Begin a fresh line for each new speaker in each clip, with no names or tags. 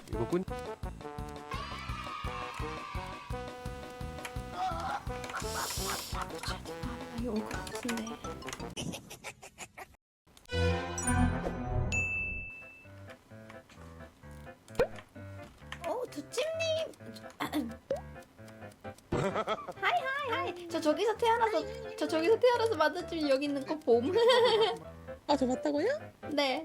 이거 꾼.
여기 올 것 같은데. 두찜님. 하이. 저 저기서 태어나서 만났지만 여기 있는 거 봄.
아, 저 맞다고요?
네.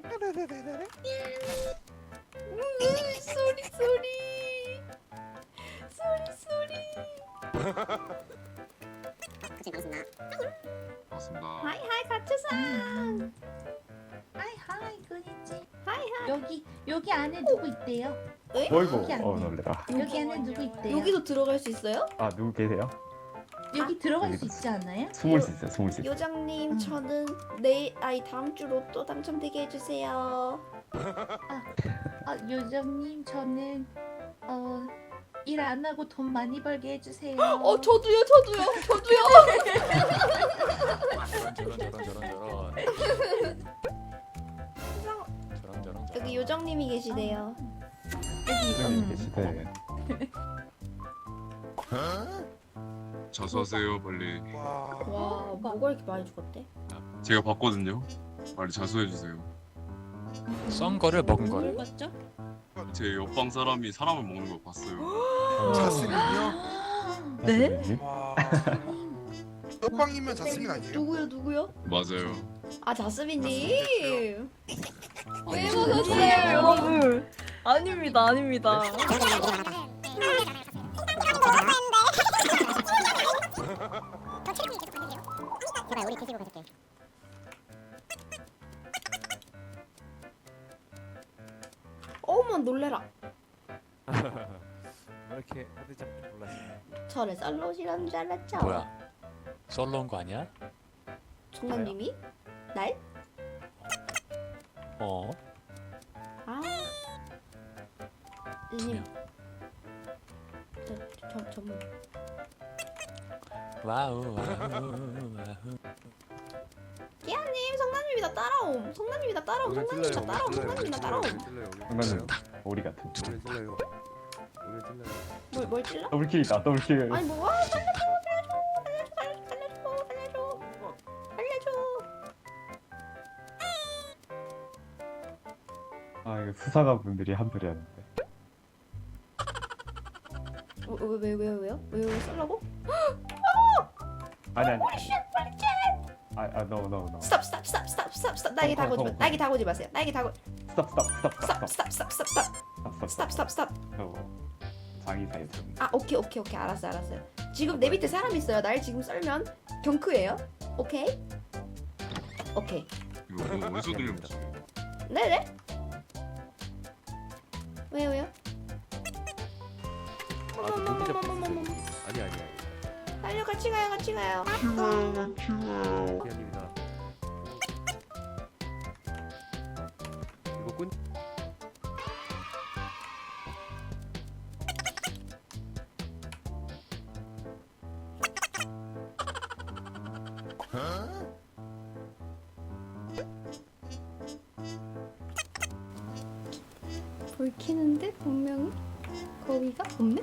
소리.
그치, 반갑습니다.
반갑습니다.
하이 가츠상.
하이 그니지.
하이.
여기 안에 누구 있대요?
어이구,
여기 안 돼.
놀래라.
여기 안에 누구 있대요?
여기도 들어갈 수 있어요?
아, 누구 계세요?
여기 들어갈 수
여기도
있지 않나요?
숨을 수 있어요, 숨을 수 있어요.
요정님, 저는 다음 주 로또 당첨되게 해주세요.
아 요정님 저는 일 안 하고 돈 많이 벌게 해주세요.
저도요.
저런.
여기 요정님이 계시대요.
선생님 계시대.
자수 하세요 빨리.
와, 뭐가 이렇게 많이 죽었대?
제가 봤거든요. 빨리 자수해 주세요.
썬 거를 먹은 거를.
맞죠?
제 옆방 사람이 사람을 먹는 걸 봤어요.
자스민이요?
네?
선생님?
와. 옆방이면 자스민 아니에요?
누구요?
맞아요.
아, 자스민님. 왜
아니요,
먹었어요?
여러분. 아닙니다.
제발 우리 드시고 가실게.
어머, 놀래라.
왜 이렇게 헤드장 놀라시네.
저를 썰로시라는 줄 알았죠?
뭐야? 썰러 온 거 아니야?
정남님이? 날?
어?
아.
두
님.
명.
전문.
와우.
끼아님, 성남님이 나 따라옴. 성남님이 나 따라옴.
장난은 오리 같은.
오늘 찔러요.
뭘 찔러?
더블킬이다, 더블킬.
아니 뭐 살려줘.
아, 이거 수사관 분들이 한둘이었는데.
왜요? 썰라고?
아니. No.
스탑. 나에게 다가오지 마세요. 스탑.
장이 사이즈.
아, 오케이. 알았어요. 지금 내 밑에 사람 있어요. 날 지금 썰면 경크예요. 오케이.
이거 어디서 들려봤어요?
네네. 왜요?
아, 저 눈이 잡혔어요. 아니.
달려, 같이 가요.
기아님이다. 이거 꾼.
불 켜는데 분명히 거위가 없네?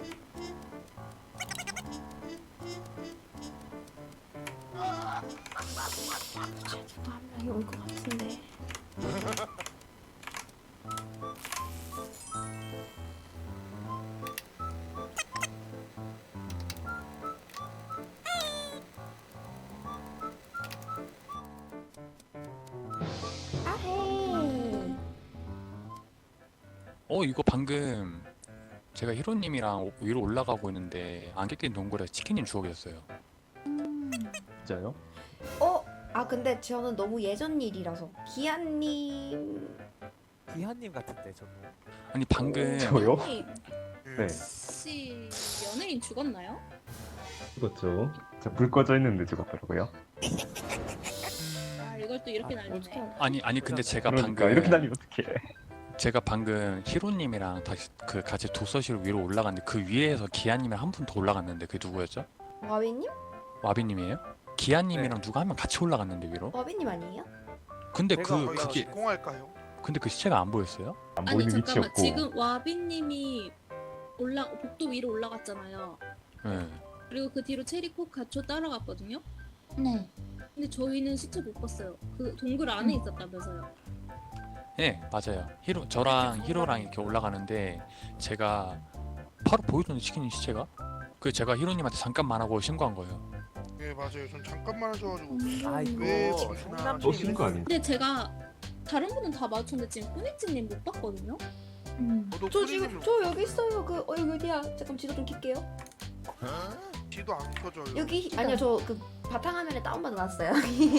누가 한 명이 올 것 같은데. 아헤이.
이거 방금 제가 히로님이랑 위로 올라가고 있는데 안개 낀 동굴에 치킨님 죽어 계셨어요.
진짜요?
근데 저는 너무 예전 일이라서 기한님.
기한님 같은데 저거.
아니 방금
저요?
아니,
네.
혹시 연예인 죽었나요?
죽었죠. 불 꺼져 있는데 죽었더라고요.
아, 이걸 또 이렇게 날리네.
어떡해.
아니 근데 제가
그러니까
방금
이렇게 다니면 어떡해.
제가 방금 히로님이랑 다시 그 같이 도서실 위로 올라갔는데 그 위에서 기아님이랑 한 분 더 올라갔는데 그게 누구였죠?
와비님?
와비님이에요? 기아님이랑 누가 한 명 같이 올라갔는데 위로?
와비님 아니에요?
근데
제가
그게
공할까요?
근데 그 시체가 안 보였어요?
안
아니
보이는
잠깐만
위치였고.
지금 와비님이 복도 위로 올라갔잖아요.
네.
그리고 그 뒤로 체리코 가초 따라갔거든요.
네.
근데 저희는 시체 못 봤어요. 그 동굴 안에 있었다면서요.
네, 맞아요. 저랑 히로랑 이렇게 올라가는데 제가 바로 보이던데 치킨님 시체가? 그 제가 히로님한테 잠깐만 하고 신고한 거예요.
네 맞아요. 전 잠깐만 하셔가지고
아
왜
이거
지금
성남님이
너 신고 아닌데?
근데 제가 다른 분은 다 마주쳤는데 지금 꾸니찌님 못 봤거든요.
저도
저 지금 저 여기 있어요. 그 여기 어디야? 잠깐 지도 좀 킬게요.
지도 안 켜져요.
여기 아니요 저 그 바탕화면에 다운받아 놨어요.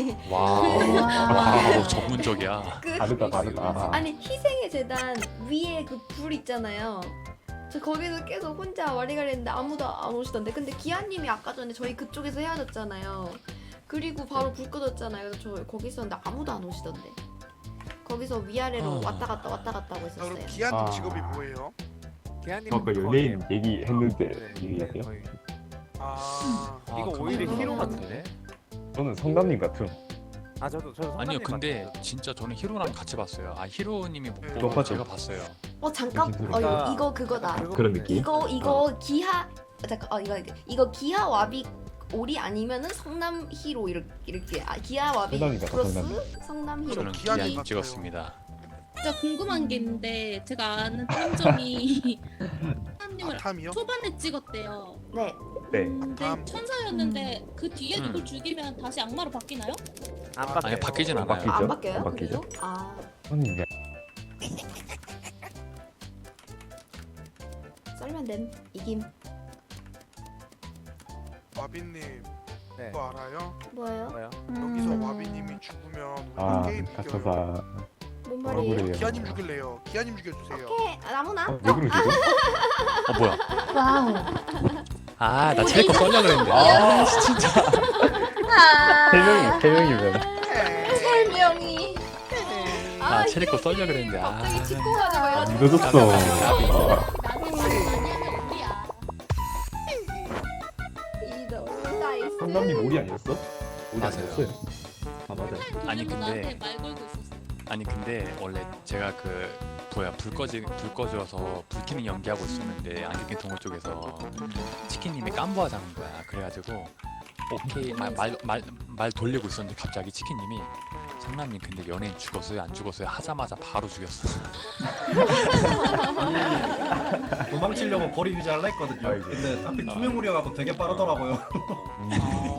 와우, 전문적이야.
그
다르다 다르다.
아니 희생의 재단 위에 그 불 있잖아요. 저 거기서 계속 혼자 와리가리 했는데 아무도 안 오시던데. 근데 기아님이 아까 전에 저희 그쪽에서 헤어졌잖아요. 그리고 바로 불 꺼졌잖아요. 그래서 저 거기 있었는데 아무도 안 오시던데. 거기서 위아래로 왔다 갔다 하고
그럼
있었어요.
기아님
아.
직업이 뭐예요?
기아님
아까 연예인 얘기했는데 얘기하세요?
아
이거
아,
오히려
그럼.
히로 같은데?
저는 성남님 같음.
아 저도
아니요,
성남님
근데
같아요.
진짜 저는 히로랑 같이 봤어요. 아, 히로님이 못 보고
똑같죠.
제가 봤어요.
잠깐.
그러니까-
이거 그거다.
그거
그런
같네.
느낌?
이거 기하 잠깐 이거 기하 와비 오리 아니면은 성남 히로 이렇게 기하 와비
성남이 같아,
플러스
성남이.
성남 히로.
저는
기아님
기아님
같아요.
찍었습니다.
진짜 궁금한 게 있는데 제가 아는 탐정이 사람님을
아탐이요?
초반에 찍었대요.
네.
네.
근데
아탐.
천사였는데 그 뒤에
음.
누굴 죽이면 다시 악마로 바뀌나요?
안
아니,
바뀌어요.
바뀌진
안
않아요.
바뀌죠?
안 바뀌어요?
안 바뀌죠?
그래요? 아
저는 이제
썰면 됨 이김.
와비님
네.
그거 알아요?
뭐예요?
뭐요?
여기서 와비님이 죽으면 우리
아
게임 이겨요.
가차사
뭔
뭐라고
말이에요?
그래요?
기아님 죽일래요. 기아님 죽여주세요.
오케이 아무나.
왜 그러지?
뭐야?
와우.
아, 나 체리코 썰려 그랬는데. 아, 진짜.
세 명이면
설명이.
아, 체리코 썰려 그랬는데. 아,
갑자기 짚고 가지고
안
해가지고.
믿어줬어.
나이스.
성남님 오리 아니었어? 오리
맞아요.
아니었어요? 아 맞아요.
아니, 근데-
나한테 말 걸고 있었어.
아니 근데 원래 제가 불 꺼져서 불 켜는 연기하고 있었는데 안경낀 동호 쪽에서 치킨님이 깜부하자는 거야. 그래가지고 오케이 말 돌리고 있었는데 갑자기 치킨님이 성남님 근데 연예인 죽었어요 안 죽었어요 하자마자 바로 죽였어.
도망치려고 거리 유지하려 했거든요.
아이고.
근데 하필 투명 무리여갖고 되게 빠르더라고요.